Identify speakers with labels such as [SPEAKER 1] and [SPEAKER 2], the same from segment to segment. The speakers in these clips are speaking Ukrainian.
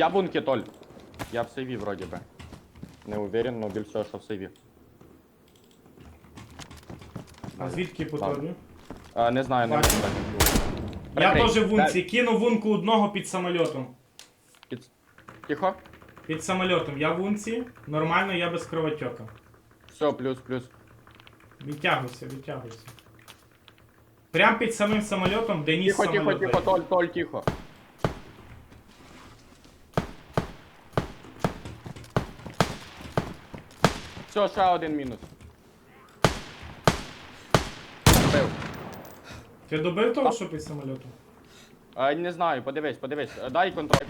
[SPEAKER 1] Я в бунке, Толь. Я в сейві вроді би. Не уверен, но більш всього, що в сейві.
[SPEAKER 2] А звідки по тобі?
[SPEAKER 1] Не знаю, не
[SPEAKER 2] Бачу.
[SPEAKER 1] можу.
[SPEAKER 2] Я
[SPEAKER 1] Прикрий.
[SPEAKER 2] теж в унці. Кину вунку одного під самольотом.
[SPEAKER 1] Тихо.
[SPEAKER 2] Під самольотом. Я в унці. Нормально, я без кровотека.
[SPEAKER 1] Все, плюс.
[SPEAKER 2] Відтягуйся. Прям під самим самольотом, де ніс самольота.
[SPEAKER 1] Тихо, Толь, тихо. Все, ще один мінус. Бив.
[SPEAKER 2] Ти добив того, що під самольотом?
[SPEAKER 1] Не знаю, подивись. Дай контроль.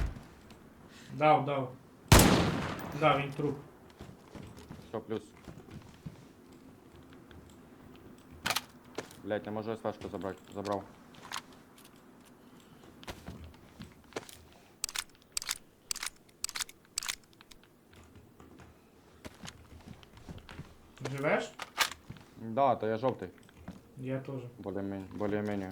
[SPEAKER 2] Дав. Да, він труп.
[SPEAKER 1] Все, плюс. Блять, не можу СВшку забрати. Забрав.
[SPEAKER 2] Живеш?
[SPEAKER 1] Да, то я жовтий.
[SPEAKER 2] Я теж.
[SPEAKER 1] Более-менее.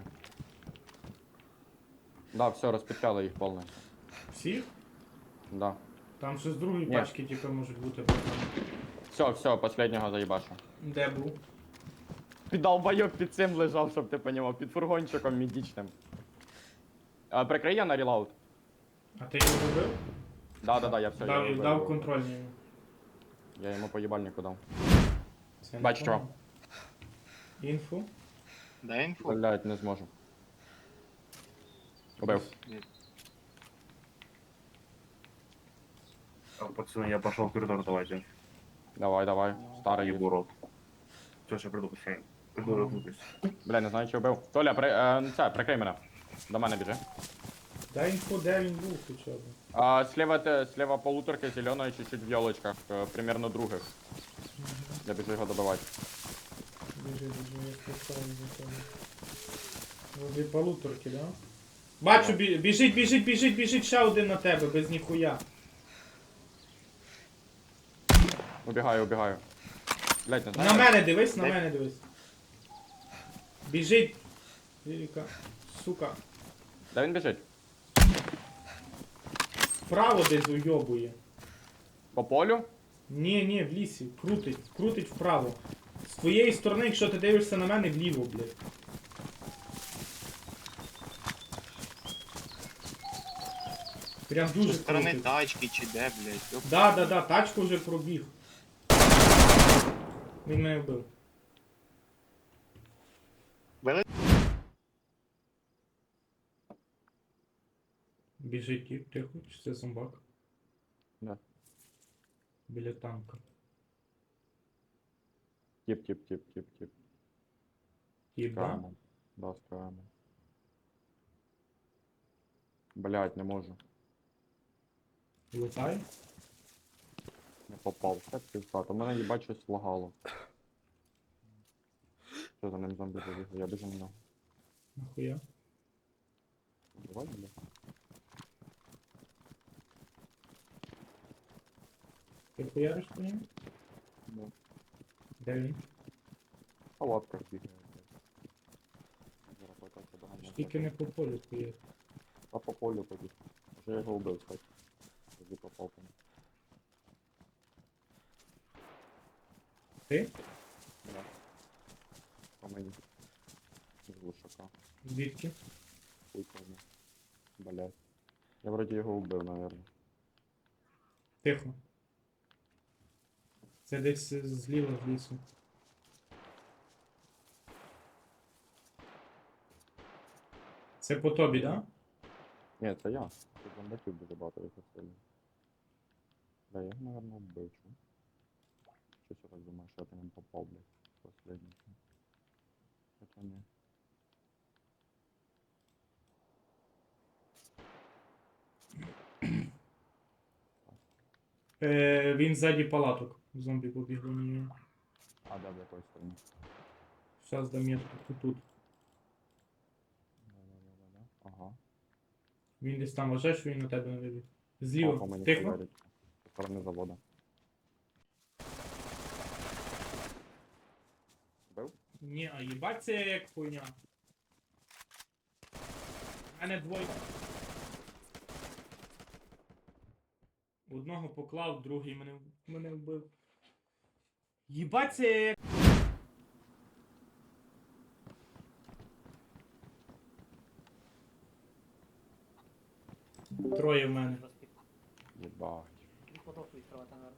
[SPEAKER 1] Да, все, розпечали їх повністю.
[SPEAKER 2] Всі?
[SPEAKER 1] Да.
[SPEAKER 2] Там ще з другої
[SPEAKER 1] Ні.
[SPEAKER 2] пачки, типу, можуть бути.
[SPEAKER 1] Все, последнього заїбашу.
[SPEAKER 2] Де був?
[SPEAKER 1] Піддолбайок під цим лежав, щоб ти понімав, під фургончиком медичним. Прикрий я на релаут.
[SPEAKER 2] А ти його добив?
[SPEAKER 1] Да, я все.
[SPEAKER 2] Дав контрольний.
[SPEAKER 1] Я йому по їбальнику дав.
[SPEAKER 2] Це
[SPEAKER 1] Бачу,
[SPEAKER 2] непогано. Інфу.
[SPEAKER 3] Дай інфу.
[SPEAKER 1] Блять, не зможу. Убив.
[SPEAKER 4] Так, пацаны, я пошел в коридор, давайте.
[SPEAKER 1] Давай. Старий
[SPEAKER 4] Ебу рот. Все, сейчас приду, пацаны. Приду, ротнутись.
[SPEAKER 1] Бля, не знаю, чи вбив. Толя, прикрий мене. До мене біжи.
[SPEAKER 2] Дай інфу, де він був хоча б.
[SPEAKER 1] Слева полуторка зеленая, чуть-чуть в елочках, примерно других. Я біжу його добивати.
[SPEAKER 2] Біжи, я поставлю за тебе. Возле полуторки, да? Бачу, біжить ще один на тебе, без ніхуя.
[SPEAKER 1] Убігаю. Блять, не знаю.
[SPEAKER 2] На мене дивись. Біжить. Лірика. Сука.
[SPEAKER 1] Де він біжить?
[SPEAKER 2] Вправо десь уйобує.
[SPEAKER 1] По полю?
[SPEAKER 2] Ні, в лісі. Крутить вправо. З твоєї сторони, якщо ти дивишся на мене, вліво, блядь. Прям дуже
[SPEAKER 3] Зі сторони
[SPEAKER 2] крутить.
[SPEAKER 3] тачки чи де, блядь. Ёп.
[SPEAKER 2] Да, тачку вже пробіг. Він мене вбив.
[SPEAKER 3] Вели-
[SPEAKER 2] Біжить тіп, тихо, чи це зомбак?
[SPEAKER 1] Да.
[SPEAKER 2] Біля танка.
[SPEAKER 1] Тіп.
[SPEAKER 2] Тіп, да?
[SPEAKER 1] Скраємо. Да, скраємо. Блять, не можу.
[SPEAKER 2] Летай.
[SPEAKER 1] Не попав. Так півстат. У мене їбать щось лагало. Що за ним зомбі побіг? Я біжу на нього.
[SPEAKER 2] Нахуя?
[SPEAKER 1] Давай, бля.
[SPEAKER 2] Ти хуяриш по ньому?
[SPEAKER 1] Ну,
[SPEAKER 2] Де він?
[SPEAKER 1] в палатках бігає. Зараз покажу доганяти.
[SPEAKER 2] Тільки не по полю хуяриш.
[SPEAKER 1] А по полю побіг. Вже я його вбив, кстати. Тоді попав по ньому.
[SPEAKER 2] Ти?
[SPEAKER 1] Да. По мені. З глушака.
[SPEAKER 2] Звідки?
[SPEAKER 1] Хуй пойми. Блять. Я вроді його вбив, наверное.
[SPEAKER 2] Тихо. Це десь зліва в лісу. Це по тобі, да?
[SPEAKER 1] Ні, це я. Тут зомбаків дуже багато їх сильно. Да, я його, наверное, вбив, чу. Щось я так думаю, що я по ньому попав, блядь. Последній. Хоча ні.
[SPEAKER 2] Він ззаді палаток. Зомбі побігли на нього.
[SPEAKER 1] А, да, в якої стороні?
[SPEAKER 2] Зараз дам метку тут.
[SPEAKER 1] Да. Ага.
[SPEAKER 2] Він десь там вважає, що він на тебе не вибіг.
[SPEAKER 1] О, по
[SPEAKER 2] Зліва.
[SPEAKER 1] мені
[SPEAKER 2] Тихо.
[SPEAKER 1] хуярить. Зі сторони заводу. Бив?
[SPEAKER 2] Ні, а їбать це як хуйня. У мене двоє. Одного поклав, другий мене вбив. Їбать це як... Троє в мене.
[SPEAKER 1] Єбать.
[SPEAKER 5] І кладовку відкривати, наверное.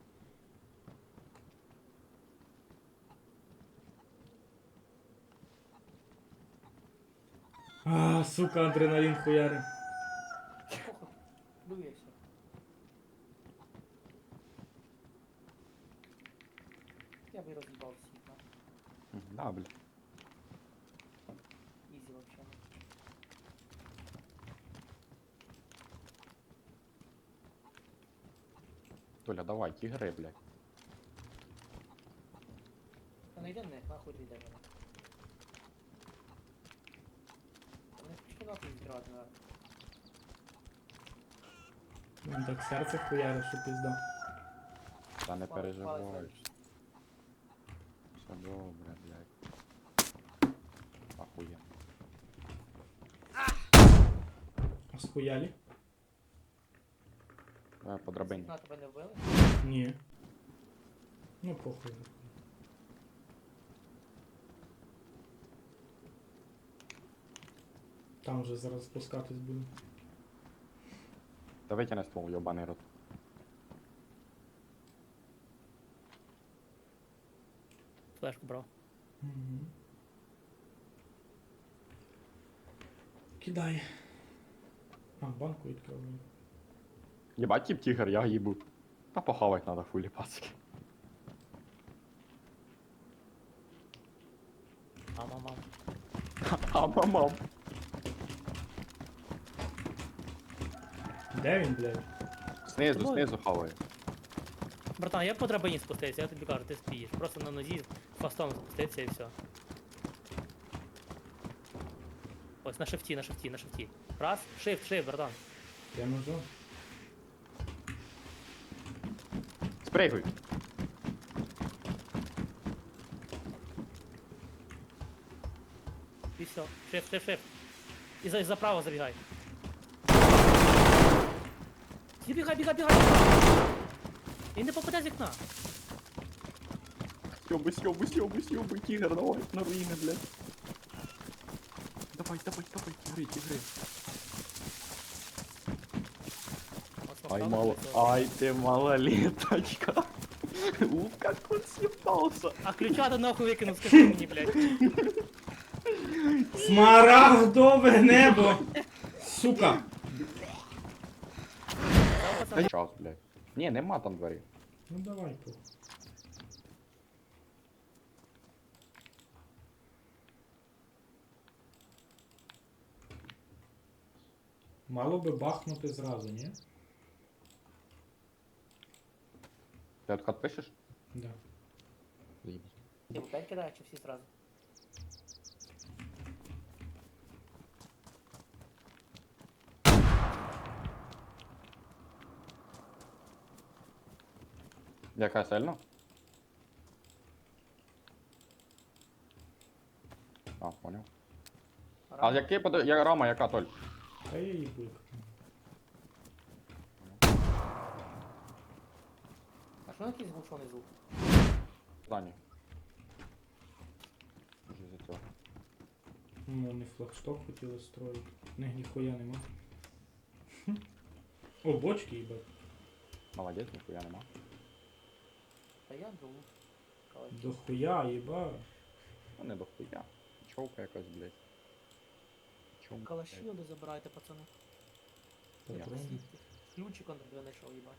[SPEAKER 2] А, сука, адреналін хуяри.
[SPEAKER 5] Похуй. Дує все. Я би роз'їбав всіх, да?
[SPEAKER 1] Да, бля.
[SPEAKER 5] Ізі вообще.
[SPEAKER 1] Толя, давай, тігри, блядь.
[SPEAKER 5] Та не йде в них, нахуй ти йде мене. Вони починати відкривати, наверное.
[SPEAKER 2] Він так серце хуяри, що пізда.
[SPEAKER 1] Та не
[SPEAKER 5] Палець,
[SPEAKER 1] переживай.
[SPEAKER 5] палець.
[SPEAKER 1] Все добре, блядь. Ахуєнно.
[SPEAKER 2] А схуялі?
[SPEAKER 1] Давай по драбині.
[SPEAKER 5] Вікна тебе не вбили?
[SPEAKER 2] Ні. Ну похуй. Там вже зараз спускатись буду.
[SPEAKER 1] Та витягни ствол, йобаний рот.
[SPEAKER 5] Флешку брав.
[SPEAKER 2] Угу. Кидай. А, банку відкрив.
[SPEAKER 1] Єбать, тип тігр, я їбу. Та похавать надо фулі пацки.
[SPEAKER 5] Мам.
[SPEAKER 1] А мамам.
[SPEAKER 2] Де він, блядь?
[SPEAKER 1] Знизу хаває.
[SPEAKER 5] Братан, я по драбині спустився, я тобі кажу, ти спієш. Просто на нозі фастом спустився і все. Ось на шифті. Раз, шифт, братан.
[SPEAKER 2] Я ножом.
[SPEAKER 1] Спригуй.
[SPEAKER 5] І все. Шифт. І за право забігай. Бігай. І не попаде з вікна.
[SPEAKER 1] Сьобуй, тігр, давай, на руїни, блядь. Давай, тігри. Ай, ты малолеточка. Уф, как он съебался.
[SPEAKER 5] А ключа до нахуй викинув, скажи мені, блядь.
[SPEAKER 2] Смарагдове небо! Сука!
[SPEAKER 1] Час, блядь. Ні, нема там дверей.
[SPEAKER 2] Ну давай, похуй. Мало би бахнути зразу, ні?
[SPEAKER 1] Ти откат пишеш?
[SPEAKER 2] Да.
[SPEAKER 1] Заїбись.
[SPEAKER 5] Ти в 5 кидаєш чи всі зразу?
[SPEAKER 1] Яка сильно? А, понял. А який я рама, яка, Толь?
[SPEAKER 2] Та я їбу. як там.
[SPEAKER 5] А що на якийсь глушений звук?
[SPEAKER 1] Здані. Вже за цього.
[SPEAKER 2] Ну, вони флагшток хотіли строїти. Не, ніхуя нема. О, бочки, їбать.
[SPEAKER 1] Молодець, ніхуя нема.
[SPEAKER 5] Та я думаю.
[SPEAKER 2] Дохуя, їба.
[SPEAKER 1] Ну не дохуя. Човка якась, блядь. Човка.
[SPEAKER 5] Калаші не забирайте, пацани.
[SPEAKER 2] Патрони.
[SPEAKER 5] Ключик он тебе знайшов, їбать.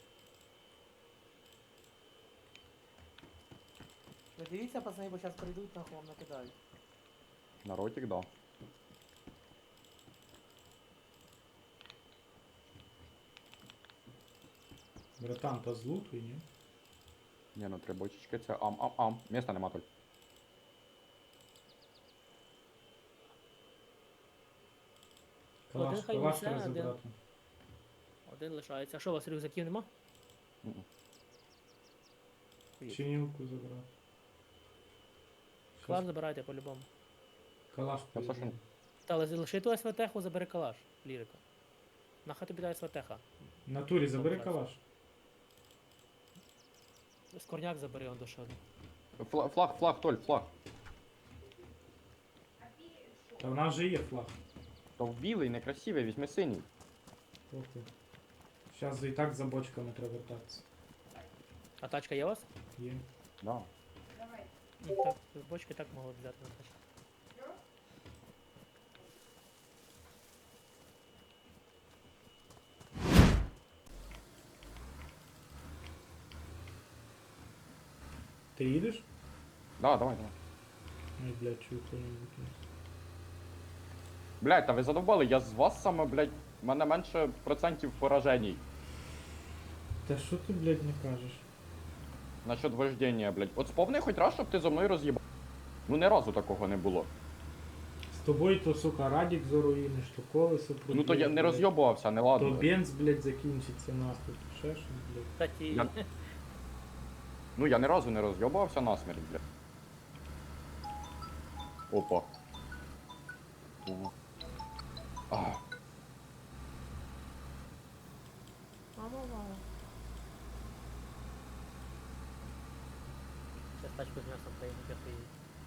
[SPEAKER 5] Ви дивіться, пацани, бо зараз прийдуть, нахуй вам накидають.
[SPEAKER 1] На ротик, да.
[SPEAKER 2] Братан, та злутуй, ні?
[SPEAKER 1] Ні, ну три бочечки, це ам. Міста нема, Толь.
[SPEAKER 2] Калаш,
[SPEAKER 5] Один хай
[SPEAKER 2] калаш
[SPEAKER 5] несе,
[SPEAKER 2] треба
[SPEAKER 5] один.
[SPEAKER 2] забрати.
[SPEAKER 5] Один лишається. А що, у вас рюкзаків нема?
[SPEAKER 1] Мгм.
[SPEAKER 2] Чинілку забрати.
[SPEAKER 5] Калаш забирайте по-любому.
[SPEAKER 2] Калаш
[SPEAKER 1] Та все, що-
[SPEAKER 2] поїде.
[SPEAKER 5] Та лиши ту СВТ-ху, забери калаш, лірика. Нахай тобі дай СВТ-ха.
[SPEAKER 2] В натурі забери
[SPEAKER 5] Добре.
[SPEAKER 2] калаш.
[SPEAKER 5] Скорняк забери, он дошов.
[SPEAKER 1] Флаг, Толь, флаг.
[SPEAKER 2] Та в нас же є флаг.
[SPEAKER 1] То в білий, некрасивий, візьми синій.
[SPEAKER 2] Окей. Зараз і так за бочками треба вертатися.
[SPEAKER 5] А тачка є у вас?
[SPEAKER 2] Є.
[SPEAKER 1] Да.
[SPEAKER 5] Ну, так, бочки так могли взяти на тачку.
[SPEAKER 2] Ти їдеш?
[SPEAKER 1] Да, давай.
[SPEAKER 2] Ай, блядь, чую хто-небудь.
[SPEAKER 1] Блядь, та ви задовбали, я з вас саме, блядь, в мене менше процентів пораженій.
[SPEAKER 2] Та що ти, блядь, не кажеш?
[SPEAKER 1] Насчет вождення, блядь. От сповни хоч раз, щоб ти зо мною роз'їбав. Ну ні разу такого не було.
[SPEAKER 2] З тобою то, сука, радік заруїниш, то колесо проб'єш,
[SPEAKER 1] Ну то я не
[SPEAKER 2] блядь.
[SPEAKER 1] роз'єбувався, не
[SPEAKER 2] То
[SPEAKER 1] ладно.
[SPEAKER 2] бенз, блядь, закінчиться нахуй. Ще щось, блядь.
[SPEAKER 5] Кстати,
[SPEAKER 1] Я- Ну я ні разу не роз'єбувався насмерть, блядь. Опа. Ого. А.
[SPEAKER 5] сейчас тачку з м'ясом поїду, я поїду.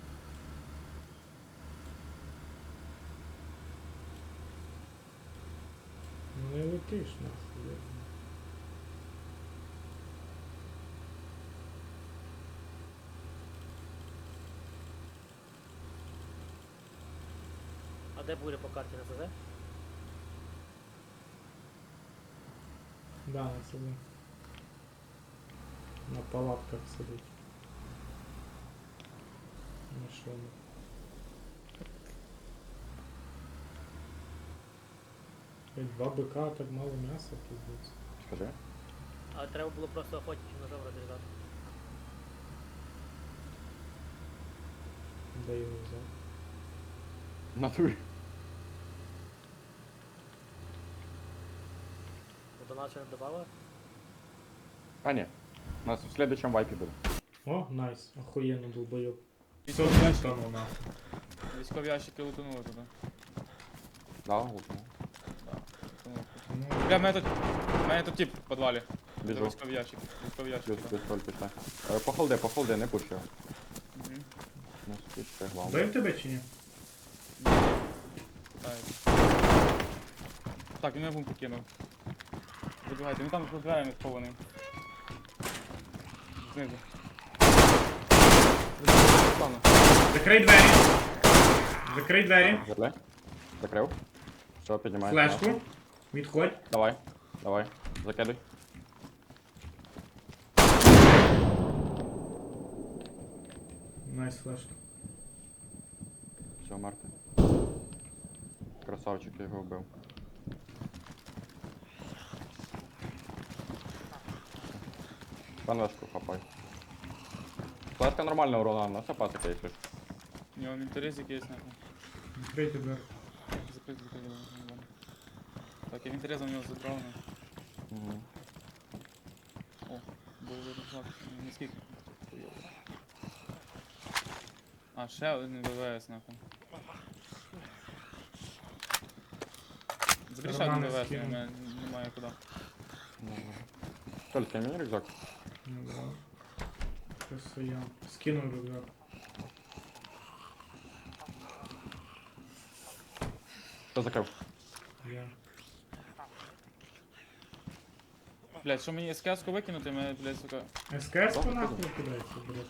[SPEAKER 2] Ну не летиш нахуй, блядь.
[SPEAKER 5] А де буде по карті на СЗ?
[SPEAKER 2] Да, на собі. На палатках сидить. На що? Блядь, 2 бика, так мало м'яса, пиздець.
[SPEAKER 1] Скажи.
[SPEAKER 5] А треба було просто охотничим ножом розрізати.
[SPEAKER 2] Де його взяв?
[SPEAKER 1] Натурі.
[SPEAKER 5] До нас ще не добавили?
[SPEAKER 1] А ні. У нас в следующем вайпі буде.
[SPEAKER 2] О, найс, охуєнно долбойоб. Все,
[SPEAKER 6] Військові ящики,
[SPEAKER 2] стану нахуй.
[SPEAKER 6] військові ящики лутанули туди.
[SPEAKER 1] Да, гукну.
[SPEAKER 6] Лутанули.
[SPEAKER 2] Ну,
[SPEAKER 6] Бля, в мене тут тип в підвалі. Це
[SPEAKER 1] Біжу.
[SPEAKER 6] військові ящики. Військові ящики.
[SPEAKER 1] Плюс, плюс, Толь, пішли. Похолди, не пущу.
[SPEAKER 6] Мгм.
[SPEAKER 1] Не спіште, главное.
[SPEAKER 2] бив тебе чи ні?
[SPEAKER 6] Так, він мене бум покинув. Вибігайте, він там за дверями схований. Знизу. Руслана.
[SPEAKER 2] Закрий двері. Закрий двері.
[SPEAKER 1] Верли. Закрив. Все, піднімай.
[SPEAKER 2] Флешку. Відходь.
[SPEAKER 1] Давай. Закидуй.
[SPEAKER 2] Найс флешка.
[SPEAKER 1] Все, мертвий. Красавчик, я його вбив. Панешку хапай. Флешка нормальна урона, на все пасика, якщо ж.
[SPEAKER 6] У нього інтерес якийсь нахуй.
[SPEAKER 2] Відкрийте двері.
[SPEAKER 6] Закрити. Так, я інтерес у нього забрав.
[SPEAKER 1] Мгм.
[SPEAKER 6] О, було видно флаг. Не скільки. А, ще один ВВС нахуй. Забери ще один
[SPEAKER 2] Кармани
[SPEAKER 6] ВВС,
[SPEAKER 2] скину.
[SPEAKER 6] немає куди.
[SPEAKER 1] Толь, скинь мені рюкзак.
[SPEAKER 2] Ну да. Просто я скинув рюкзак.
[SPEAKER 1] Хто закрив?
[SPEAKER 2] Я.
[SPEAKER 6] Блять, що мені СКС-ку викинути, мене, блять, сука.
[SPEAKER 2] СКС по нахуй кидається, блядь.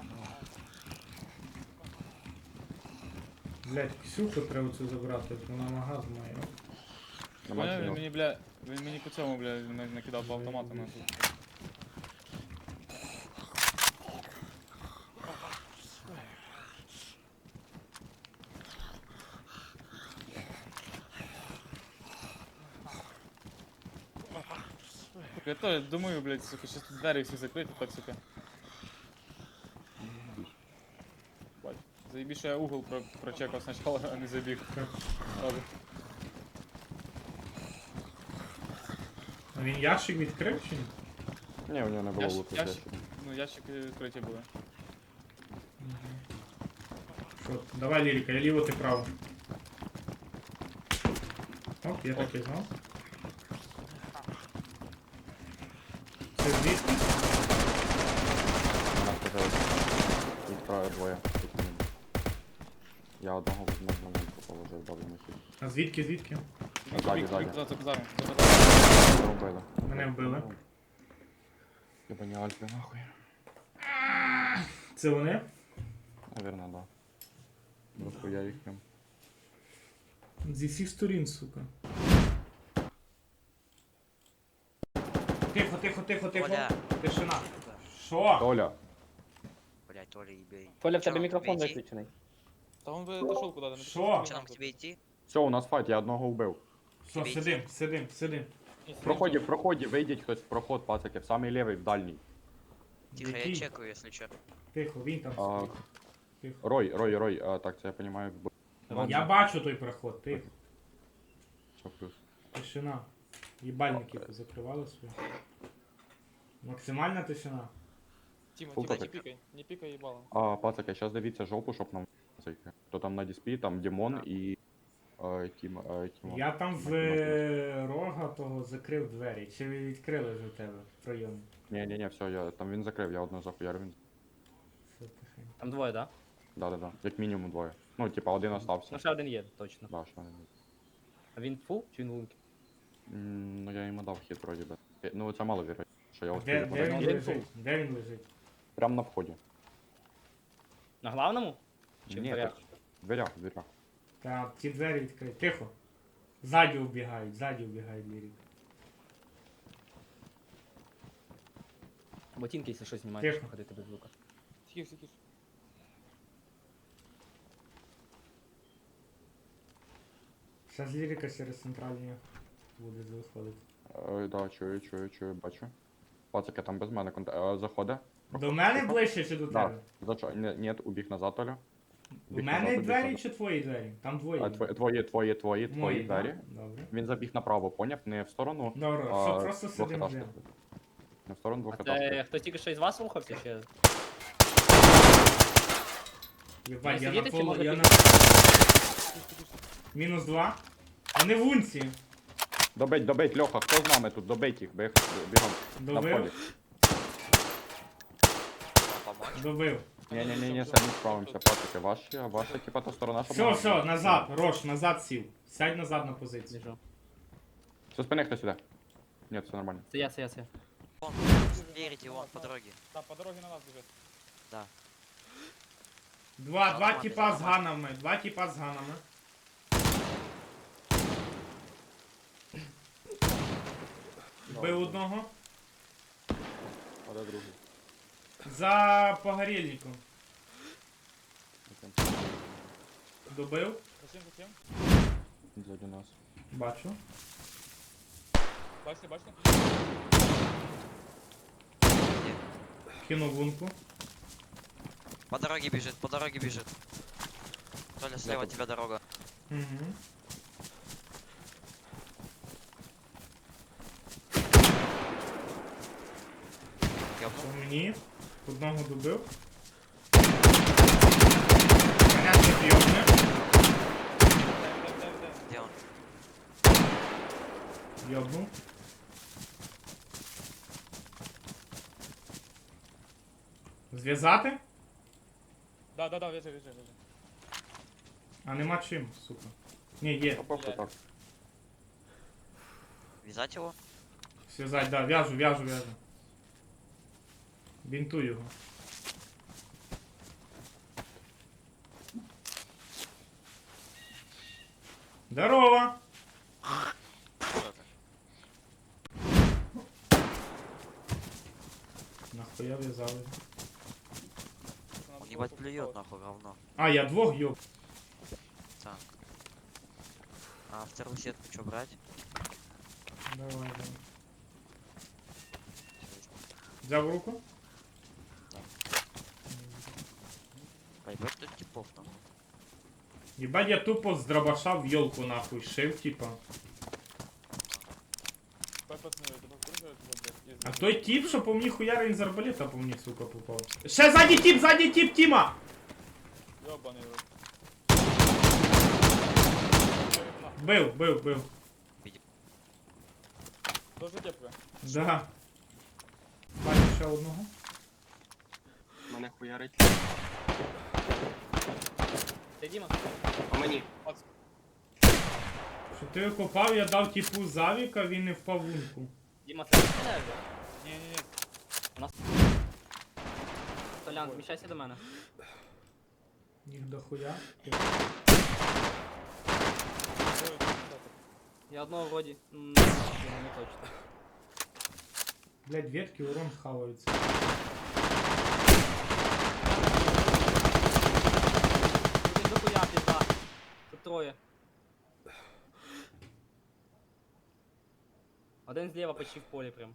[SPEAKER 2] Блядь, Ксюху треба цю забрати, вона магаз має.
[SPEAKER 1] Нема
[SPEAKER 6] Поняв, він
[SPEAKER 1] чого.
[SPEAKER 6] мені, бля, він мені по цьому, бля, накидав по автомату нахуй. Я то думаю, блядь, сука, щас тут двері всі закриті, так, сука. Бать. Заєбі, що я угол прочекав спочатку, а не забіг.
[SPEAKER 2] Так.
[SPEAKER 6] Ладно.
[SPEAKER 2] А він ящик відкрив чи ні?
[SPEAKER 1] Ні, у нього не було
[SPEAKER 6] Ящик-
[SPEAKER 1] луку.
[SPEAKER 6] ящик. Ну, ящики відкриті були.
[SPEAKER 2] Що, давай, Лірика, я ліво, ти право. Оп, я так і знав. Це звідки?
[SPEAKER 1] Їх троє двоє. як мінімум. Я одного возьму на вулику положив, добре на хід.
[SPEAKER 2] А звідки?
[SPEAKER 1] Ззаді.
[SPEAKER 6] За базаром.
[SPEAKER 1] Мене вбили.
[SPEAKER 2] Мене вбили.
[SPEAKER 1] Єбані альфи нахуй.
[SPEAKER 2] Це вони?
[SPEAKER 1] Наверно, да. Дохуя їх прям.
[SPEAKER 2] Зі всіх сторін, сука. Тихо.
[SPEAKER 7] Оля.
[SPEAKER 2] Тишина. Що?
[SPEAKER 1] Толя,
[SPEAKER 7] Блять, Толя, ебей.
[SPEAKER 8] Толя, в
[SPEAKER 7] Чё,
[SPEAKER 8] тебе мікрофон
[SPEAKER 7] тебе идти?
[SPEAKER 8] виключений.
[SPEAKER 6] Та він би дошов куди-то. не
[SPEAKER 2] Що?
[SPEAKER 6] пішов,
[SPEAKER 7] Что, нам к
[SPEAKER 6] нахуй.
[SPEAKER 7] тебе идти?
[SPEAKER 1] все, у нас файт, я одного вбив.
[SPEAKER 2] Все, сидим.
[SPEAKER 1] В проході, вийдіть хтось в проход, пацаки, в самий лівий, в дальній.
[SPEAKER 7] Тихо,
[SPEAKER 2] Який?
[SPEAKER 7] я чекаю, если что.
[SPEAKER 2] Тихо, він там
[SPEAKER 1] А,
[SPEAKER 2] стоїть. Тихо.
[SPEAKER 1] Рой, так, це я розумію,
[SPEAKER 2] Я бачу той проход, тихо.
[SPEAKER 1] Все плюс.
[SPEAKER 2] Тишина. Їбальники позакривали свої. Максимальна тишина.
[SPEAKER 6] Тіма,
[SPEAKER 1] Фул
[SPEAKER 6] Тіма, не
[SPEAKER 1] копик.
[SPEAKER 6] пікай. Не пікай їбалом.
[SPEAKER 1] Пацаки, зараз дивіться жопу, щоб нам зайти. Хто там на дисплі, там Дімон і Тіма.
[SPEAKER 2] Я там в рога того закрив двері. Чи ви відкрили вже в тебе в прийомі?
[SPEAKER 1] Ні, все, там він закрив, я одного захуярив, він.
[SPEAKER 2] Все тихенько.
[SPEAKER 8] Там двоє, да?
[SPEAKER 1] Да. Як мінімум двоє. Ну, типа, один остався.
[SPEAKER 8] Ну ще один є, точно.
[SPEAKER 1] Да, що не.
[SPEAKER 8] А він фул чи він лунки?
[SPEAKER 1] Ну я йому дав хід вроді би. Ну це мало вірить, що я
[SPEAKER 2] Де
[SPEAKER 1] успію
[SPEAKER 2] він
[SPEAKER 1] подати.
[SPEAKER 2] лежить? Де він лежить?
[SPEAKER 1] Прям на вході.
[SPEAKER 8] На главному? Чи в
[SPEAKER 1] Ні,
[SPEAKER 8] дверях?
[SPEAKER 1] так, в дверях.
[SPEAKER 2] Та ті двері відкриті. Тихо. Ззаді убігають лірик.
[SPEAKER 8] Ботинки, якщо щось знімаєш,
[SPEAKER 2] Тихо.
[SPEAKER 8] ходити без звука.
[SPEAKER 6] Тихо.
[SPEAKER 2] Зараз лірика через центральні буде виходити.
[SPEAKER 1] Да, чую, бачу. Пацаки, там без мене заходить.
[SPEAKER 2] До мене ближче чи до
[SPEAKER 1] Да.
[SPEAKER 2] тебе?
[SPEAKER 1] Ні, убіг на затолю.
[SPEAKER 2] У мене двері чи твої двері? Там двоє.
[SPEAKER 1] Твої
[SPEAKER 2] Мої,
[SPEAKER 1] двері.
[SPEAKER 2] да? Добре.
[SPEAKER 1] Він забіг направо, поняв? Не в сторону.
[SPEAKER 2] Добре, все, просто сидимо
[SPEAKER 1] двохетажки.
[SPEAKER 2] де.
[SPEAKER 1] Не в сторону
[SPEAKER 8] А
[SPEAKER 1] двохетажки.
[SPEAKER 8] це хтось тільки що із вас рухався ще?
[SPEAKER 2] Єбать,
[SPEAKER 8] Не
[SPEAKER 2] я на
[SPEAKER 8] сидіти чи
[SPEAKER 2] полу,
[SPEAKER 8] може
[SPEAKER 2] я
[SPEAKER 8] піти?
[SPEAKER 2] на... Мінус 2. Вони в унці.
[SPEAKER 1] Добить, Льоха, хто з нами тут? Добить їх, бігом. На вході.
[SPEAKER 2] Добив?
[SPEAKER 7] Помочь?
[SPEAKER 2] Добив.
[SPEAKER 1] Ні, самі справимося, пацаки. Ваша, типа, та сторона, щоб...
[SPEAKER 2] Все, назад, Рош, назад сів. Сядь назад на позицію.
[SPEAKER 8] Біжу.
[SPEAKER 1] Все, спини хтось іде. Ні, все нормально.
[SPEAKER 8] Це я.
[SPEAKER 7] Вон, спереди, вон, по дороге.
[SPEAKER 6] Та, по дорозі на нас біжить.
[SPEAKER 7] Да.
[SPEAKER 2] Два тіпа з ганами. Вбив одного.
[SPEAKER 1] А де другий?
[SPEAKER 2] За погорільником. Добив.
[SPEAKER 6] Зачем?
[SPEAKER 1] Ззаді нас.
[SPEAKER 2] Бачу.
[SPEAKER 6] Бачите?
[SPEAKER 2] Кинув лунку.
[SPEAKER 7] По дороге бежит. Толя, слева от тебя дорога.
[SPEAKER 2] Угу.
[SPEAKER 7] Ёбнул.
[SPEAKER 2] По мені. Одного добив. Мене не б'єбне.
[SPEAKER 7] Где он?
[SPEAKER 2] Йобнув. Зв'язати?
[SPEAKER 6] Да, вяжи.
[SPEAKER 2] А нема чим, сука. Ні, є.
[SPEAKER 1] Та просто так.
[SPEAKER 7] Вязать его?
[SPEAKER 2] Зв'язать, да, в'яжу. Бінтуй його. Здорово!
[SPEAKER 7] Что ты?
[SPEAKER 2] Нахуя в'язали?
[SPEAKER 7] Он ебать плюет нахуй говно.
[SPEAKER 2] А, я двох йоб.
[SPEAKER 7] Так. А вторую сетку что брать?
[SPEAKER 2] Давай. Взяв в руку?
[SPEAKER 7] Пойдет тут типов там.
[SPEAKER 2] Єбать, я тупо з дробаша в йолку нахуй шив, типа.
[SPEAKER 6] Пацани, тебе вкружують, блядь.
[SPEAKER 2] А той тип, що по мені хуярин з арбалета по мені, сука, попав. Ще ззаді тип, Тіма!
[SPEAKER 6] Йобаний рот.
[SPEAKER 2] Бив.
[SPEAKER 6] Дуже тепка.
[SPEAKER 2] Да. Бачу ще одного.
[SPEAKER 3] Мене хуярить.
[SPEAKER 8] Ти, Діма?
[SPEAKER 3] А мені.
[SPEAKER 2] Що ти копав, я дав типу завіка, він не впав в лунку.
[SPEAKER 8] Діма, це не стріляє вже?
[SPEAKER 6] Ні-ні-ні.
[SPEAKER 8] Толян, зміщайся до мене.
[SPEAKER 2] Їх дохуя.
[SPEAKER 8] Я одного вроді. Не точно.
[SPEAKER 2] Блять, ветки урон хаваються.
[SPEAKER 8] Він дохуя пізда. Тут троє. Один зліва почти в полі прям.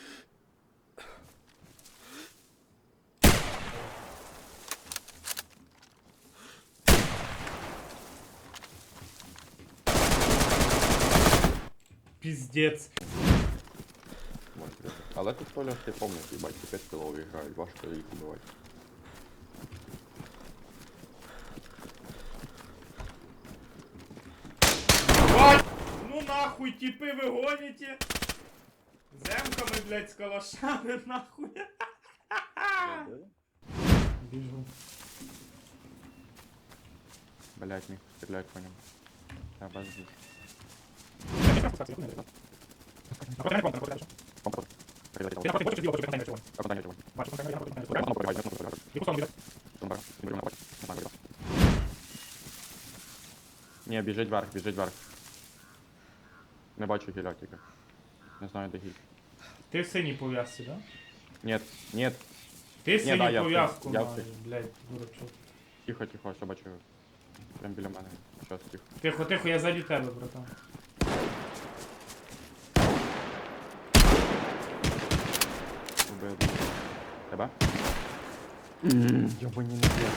[SPEAKER 2] Піздець.
[SPEAKER 1] Але тут Толя, ти помниш, їбать, 5 кілов грають, важко їх убивати.
[SPEAKER 2] Бать! Ну нахуй, типи ви гоните! Земками, блять, з калашами, нахуй. Біжу.
[SPEAKER 1] Блять, міг стрілять по ньому. Треба здесь. Ні, біжить вверх, біжить вверх. Не бачу гіля тільки. Не знаю, де гіль.
[SPEAKER 2] Ти в синій пов'язці, да?
[SPEAKER 1] Нет, нет.
[SPEAKER 2] Ти в
[SPEAKER 1] Ні, да,
[SPEAKER 2] синій
[SPEAKER 1] я в
[SPEAKER 2] пов'язку
[SPEAKER 1] я в
[SPEAKER 2] маєш, блять, дурачок.
[SPEAKER 1] Тихо, тихо, все бачу. Прям біля мене. Щас, тихо.
[SPEAKER 2] Тихо, тихо, я ззаді тебе, братан.
[SPEAKER 1] Убив. Тебе? Йобані не є.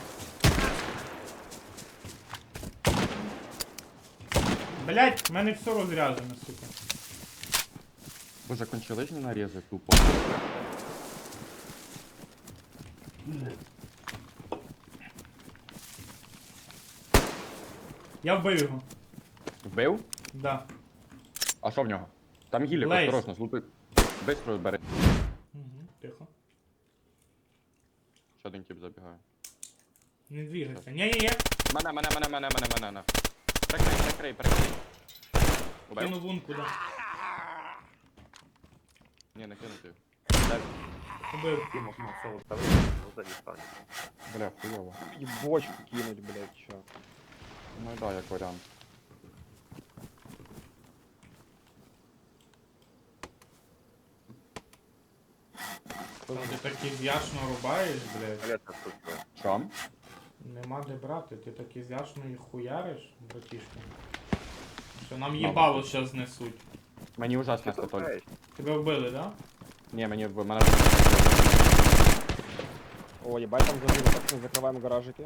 [SPEAKER 2] Блять, в мене все розряджено, сука.
[SPEAKER 1] Боже, кончились нарізи тупо.
[SPEAKER 2] Я вбив його.
[SPEAKER 1] Вбив?
[SPEAKER 2] Да.
[SPEAKER 1] А що в нього? Там гілік,
[SPEAKER 2] Лейс.
[SPEAKER 1] осторожно, злупи. Бистро бери.
[SPEAKER 2] Угу, тихо.
[SPEAKER 1] Ще один тип забігає.
[SPEAKER 2] Не двигайся. Ні-ні-ні.
[SPEAKER 1] Мене. Прикрий. Убив?
[SPEAKER 2] Кину лунку, да.
[SPEAKER 1] Ні, не кинути.
[SPEAKER 2] Убив.
[SPEAKER 1] Бля, хуйово.
[SPEAKER 9] И бочку кинуть, блядь, чё.
[SPEAKER 1] Ну да, як варіант.
[SPEAKER 2] Ти так ізяшно рубаєш, блядь.
[SPEAKER 1] Що?
[SPEAKER 2] Нема де брати, ти так ізяшно їх хуяриш, братішка. Що нам їбало щас знесуть.
[SPEAKER 1] Мені ужасно статоль.
[SPEAKER 2] Тебе вбили, да?
[SPEAKER 1] Ні, в мене...
[SPEAKER 9] О, ебать, там зажили, так мы закрываем гаражики.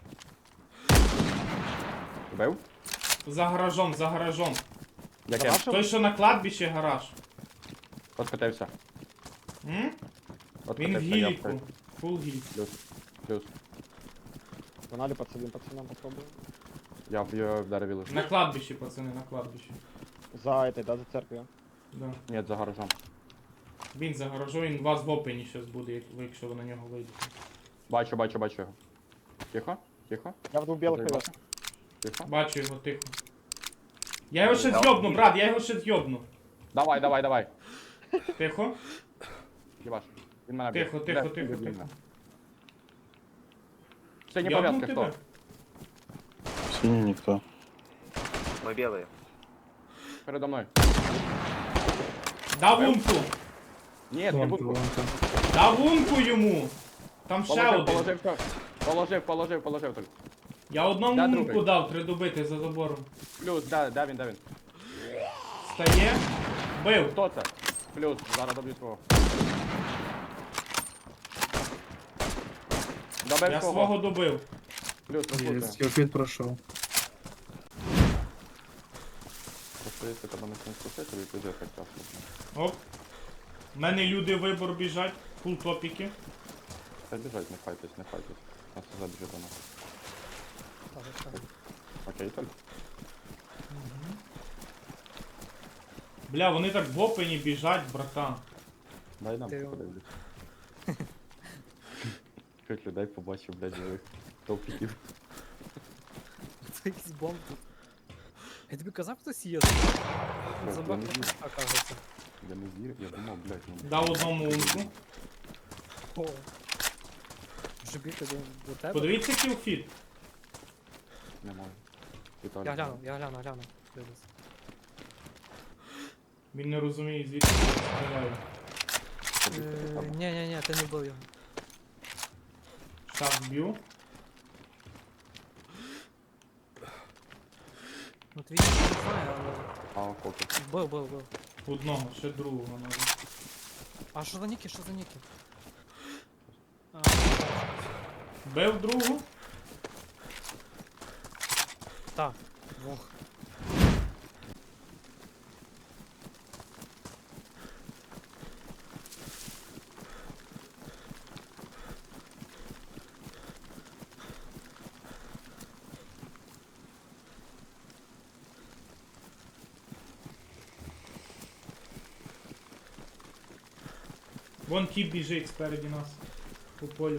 [SPEAKER 1] Убив?
[SPEAKER 2] За гаражом, за гаражом.
[SPEAKER 1] Яке?
[SPEAKER 9] Гараж?
[SPEAKER 2] Той, що на кладбищі гараж.
[SPEAKER 1] Откотився.
[SPEAKER 2] М? Він в
[SPEAKER 1] Откотився,
[SPEAKER 2] гіліку. Фул гіль.
[SPEAKER 1] Плюс.
[SPEAKER 9] Погнали подсадим пацанам, попробуем.
[SPEAKER 1] Я в дереві лежу.
[SPEAKER 2] На кладбищі, пацани, на кладбищі.
[SPEAKER 9] За этой, да, за церковью.
[SPEAKER 2] Да.
[SPEAKER 1] Ні, за гаражом.
[SPEAKER 2] Він за гаражом, він у вас в опені щас буде, якщо ви на нього вийдете.
[SPEAKER 1] Бачу його. Тихо.
[SPEAKER 9] Я в двух белых
[SPEAKER 1] Добре,
[SPEAKER 9] повез.
[SPEAKER 1] Тихо.
[SPEAKER 2] Бачу його, тихо. Я його ще з'йобну, брат, я його ще з'йобну.
[SPEAKER 1] Давай.
[SPEAKER 2] Тихо,
[SPEAKER 1] Єбаш. Він мене б'є.
[SPEAKER 2] тихо.
[SPEAKER 1] Сині
[SPEAKER 2] Йобну
[SPEAKER 1] пов'язки хто?
[SPEAKER 2] тебе?
[SPEAKER 10] Синий никто.
[SPEAKER 4] Мы белые.
[SPEAKER 1] Передо мною.
[SPEAKER 2] Дав лунку!
[SPEAKER 1] Ні, не буду.
[SPEAKER 2] Дав лунку йому! Там ще один.
[SPEAKER 1] Положив только.
[SPEAKER 2] Я одному
[SPEAKER 1] Да,
[SPEAKER 2] лунку
[SPEAKER 1] другий.
[SPEAKER 2] дав, три добити за забором.
[SPEAKER 1] Плюс, де він.
[SPEAKER 2] Стає. Бив.
[SPEAKER 1] Хто це? Плюс, зараз доб'ю свого. Добив
[SPEAKER 2] Я
[SPEAKER 1] свого.
[SPEAKER 2] свого добив.
[SPEAKER 1] Плюс, розлучує.
[SPEAKER 10] Я опять прошел.
[SPEAKER 1] Просто якщо тебе не спустити, тобі пиздець тяжко.
[SPEAKER 2] Оп. У мене люди вибор біжать. Фул топіки.
[SPEAKER 1] Та біжать, не файтесь. Нас забіжить до нас. Окей, Толь.
[SPEAKER 2] Бля, вони так в опені біжать, братан.
[SPEAKER 1] Дай нам подивлюсь. чужих людей побачив, блядь, живих топіків.
[SPEAKER 8] Це якийсь бомб тут. Я тобі казав, хтось є.
[SPEAKER 1] Я
[SPEAKER 8] Забав,
[SPEAKER 1] не вірю.
[SPEAKER 8] оказується.
[SPEAKER 1] Я не вірю, я думав, блядь, ну...
[SPEAKER 2] Дав одному унку.
[SPEAKER 8] О. Вже бігти до тебе.
[SPEAKER 2] Подивіться кілфіт.
[SPEAKER 1] Немає. Віталій,
[SPEAKER 8] Я гляну. Дивлюсь.
[SPEAKER 2] Він не розуміє, звідки я стріляю.
[SPEAKER 8] Ні, ти не вбив його.
[SPEAKER 2] Шаг б'ю.
[SPEAKER 8] Ну твій не знаю, але...
[SPEAKER 1] А, поки.
[SPEAKER 8] Бив.
[SPEAKER 2] Одного, ще другого надо.
[SPEAKER 8] А що за ніки, А,
[SPEAKER 2] Бив другу.
[SPEAKER 8] так, двох.
[SPEAKER 2] Вон тіп біжить спереді нас. По полю.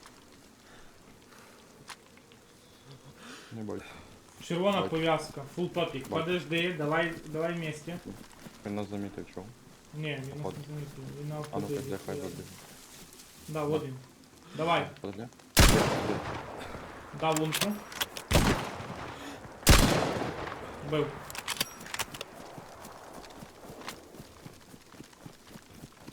[SPEAKER 1] Не бойся.
[SPEAKER 2] Червона
[SPEAKER 1] Бачу.
[SPEAKER 2] пов'язка. Фул топік.
[SPEAKER 1] Бачу.
[SPEAKER 2] Подожди, давай вместе.
[SPEAKER 1] Він нас замітив, чого?
[SPEAKER 2] Ні, він нас
[SPEAKER 1] Походу.
[SPEAKER 2] не замітив. Він на
[SPEAKER 1] А ну
[SPEAKER 2] вході.
[SPEAKER 1] так, хай вибіг.
[SPEAKER 2] Да, вот він. Давай,
[SPEAKER 1] Подожди.
[SPEAKER 2] дав лунку. Бив.